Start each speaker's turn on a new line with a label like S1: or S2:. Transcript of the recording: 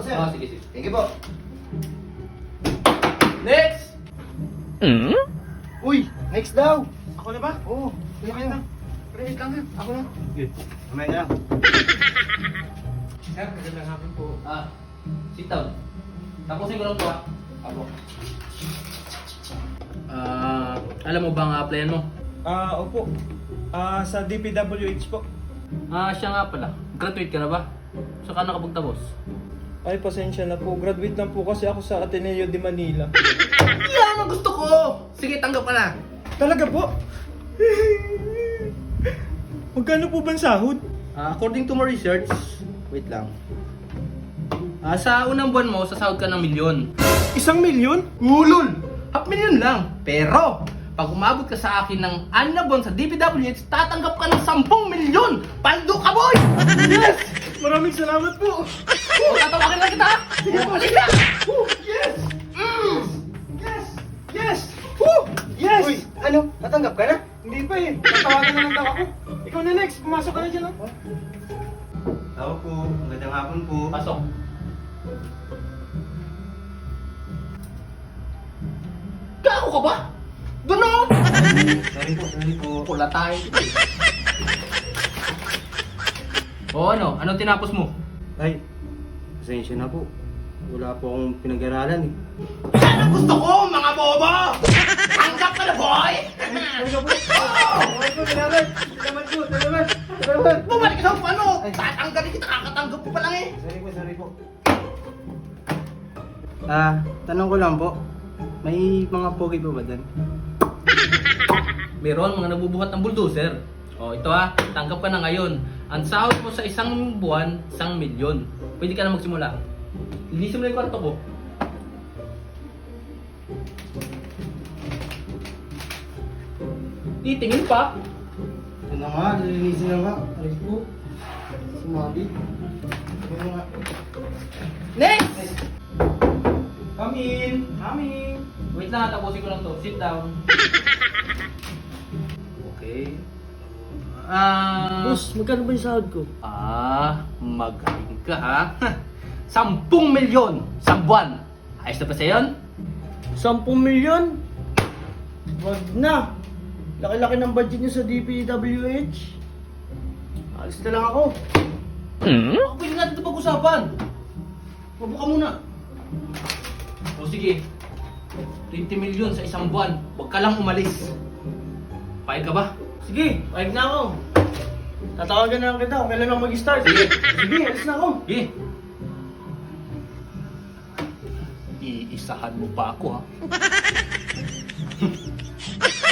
S1: sir.
S2: Sige, sige.
S1: Thank you po.
S2: Next!
S1: Uy, next daw.
S3: Ako na ba?
S1: Oo, kuya kayo.
S3: Wait lang ha.
S1: Ako na. Good. Mamaya na lang.
S3: Sir, magandang hapon po.
S2: Sit down. Tapusin ko lang to Ako. Alam mo ba ang applyan mo?
S3: Opo. Sa DPWH po.
S2: Siya nga pala. Graduate ka na ba? Saan ka nakapagtapos?
S3: Ay, pasensya na po. Graduate lang po kasi ako sa Ateneo de Manila.
S2: Yan ang gusto ko! Sige, tanggap ka na.
S3: Talaga po? Magkano po ba ang sahod?
S2: According to my research, wait lang. Sa unang buwan mo, sasahod ka ng 1,000,000.
S3: 1,000,000?
S2: Ulol! 500,000 lang. Pero, pag umabot ka sa akin ng 6 na buwan sa DPWH, tatanggap ka ng 10,000,000! Paldo ka, boy!
S3: Yes! Maraming salamat po!
S2: O, tatawagin lang kita! Sige po, sige!
S3: Yes! Yes! Yes!
S1: Yes!
S3: Yes!
S1: Uy, ano? Natanggap ka na?
S3: Hindi pa eh. Tatawagan na lang daw ako. Ikaw na next. Pumasok ka na dyan. Oh.
S1: Tao po. Magandang hapon po.
S2: Pasok. Gago ka ba? Doon o!
S1: Sorry po.
S2: Pula tayo. O ano? Anong tinapos mo?
S1: Ay, pasensya na po. Wala po akong pinag-aralan eh.
S2: Yan ang gusto ko, mga bobo! Tanggap ka na, boy! Bumalik ka sa ano? Tatanggalin kita, kakatanggap ko pa lang eh.
S1: Sorry po. Tanong ko lang po. May mga pogi po ba dyan?
S2: Meron mga nabubuhat ng bulldozer. O ito tanggap ka na ngayon. Ang sahod mo sa isang buwan, 1,000,000. Pwede ka na magsimula. Linisin mo na yung kwarto ko. Titingin pa.
S1: Ito na nga, lilinisin na nga. Alis po. Sumabi. Ito nga.
S2: Next!
S3: Come in. Come in.
S2: Wait lang, tapusin ko lang to. Sit down. Okay.
S1: Boss, magkano ba yung sahod ko?
S2: Magaling ka ha. 10,000,000 sa buwan. Ayos na ba sa'yo yun?
S1: 10,000,000? Wag na. Laki-laki ng budget niyo sa DPWH. Alis na lang ako.
S2: Baka pwede natin ito pag-usapan. Mabuka muna. O sige. 20,000,000 sa isang buwan. Huwag ka lang umalis. Payag ka ba?
S1: Sige, pahig na ako. Tatawagan na lang kita kung kailan ako mag-start. Sige, alis na ako.
S2: Sige. Iisahan mo pa ako ha.